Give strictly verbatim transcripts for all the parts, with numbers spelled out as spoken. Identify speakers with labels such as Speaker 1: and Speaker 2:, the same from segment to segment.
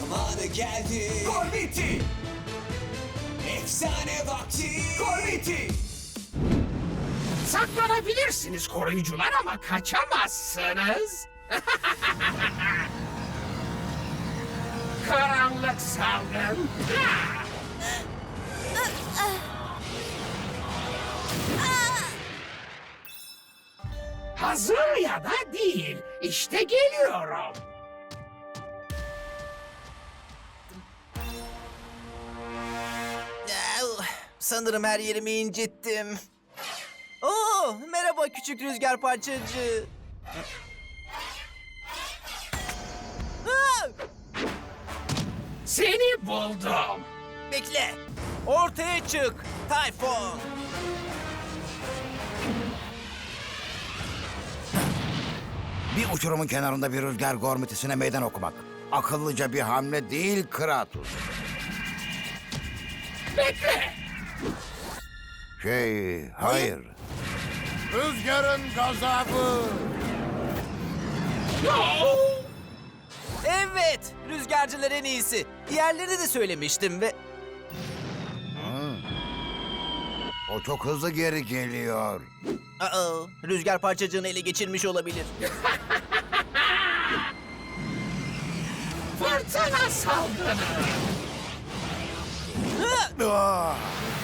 Speaker 1: Zamanı geldi.
Speaker 2: Gormiti!
Speaker 1: Efsane vakti.
Speaker 2: Gormiti! Saklanabilirsiniz koruyucular ama kaçamazsınız. Karanlık salgın. Hazır ya da değil. İşte geliyorum.
Speaker 3: Au, sanırım her yerimi incittim. Oo, merhaba küçük rüzgar parçacığı. Aa!
Speaker 2: Seni buldum.
Speaker 3: Bekle. Ortaya çık. Tayfun.
Speaker 4: Bir uçurumun kenarında bir rüzgar gormitisine meydan okumak. Akıllıca bir hamle değil Kratos.
Speaker 2: Bekle.
Speaker 4: Şey, hayır. Rüzgarın gazabı.
Speaker 2: No.
Speaker 3: Evet, rüzgarcılar en iyisi. Diğerlerini de söylemiştim ve...
Speaker 4: O çok hızlı geri geliyor.
Speaker 3: Aa, rüzgar parçacığını ele geçirmiş olabilir.
Speaker 2: Fırtına salgını.
Speaker 4: Ah!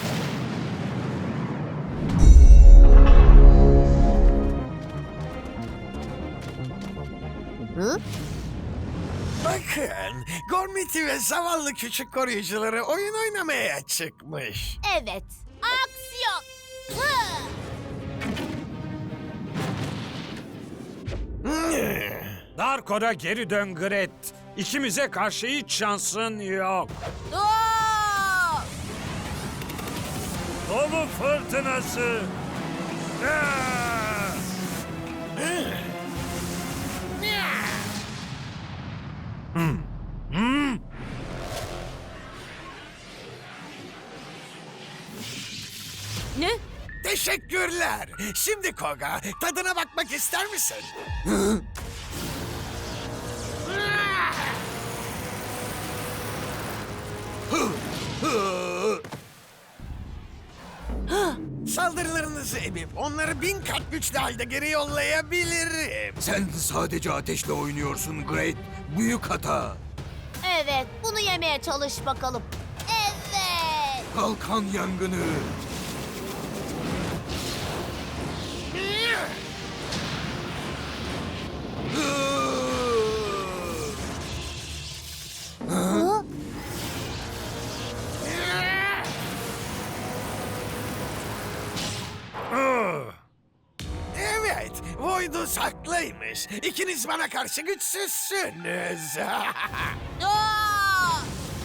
Speaker 5: Bakın, Gormiti ve zavallı küçük koruyucuları oyun oynamaya çıkmış.
Speaker 6: Evet. Aksiyon. Hı!
Speaker 7: Darko'da geri dön Gret. İkimize karşı hiç şansın yok.
Speaker 6: Aa!
Speaker 7: Dolu fırtınası. Ah!
Speaker 6: Ne?
Speaker 5: Teşekkürler. Şimdi Koga, tadına bakmak ister misin? Saldırılarınızı emip onları bin kat güçlü halde geri yollayabilirim.
Speaker 1: Sen sadece ateşle oynuyorsun Great. Büyük hata.
Speaker 6: Evet. Bunu yemeye çalış bakalım. Evet.
Speaker 1: Kalkan yangını.
Speaker 6: Hı?
Speaker 5: Evet, Voidus haklıymış. İkiniz bana karşı güçsüzsünüz.
Speaker 6: Aa!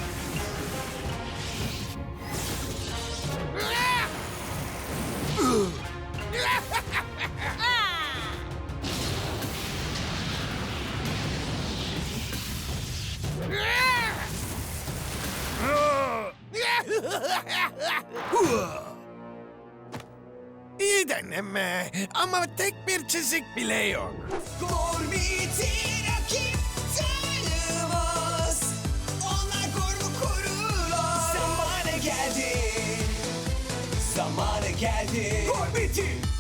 Speaker 5: İyi deneme ama tek bir çizik bile yok.
Speaker 1: Gormiti rakip tanımaz. Onlar gormu korurlar. Zamanı geldi. Zamanı geldi.
Speaker 2: Gormiti!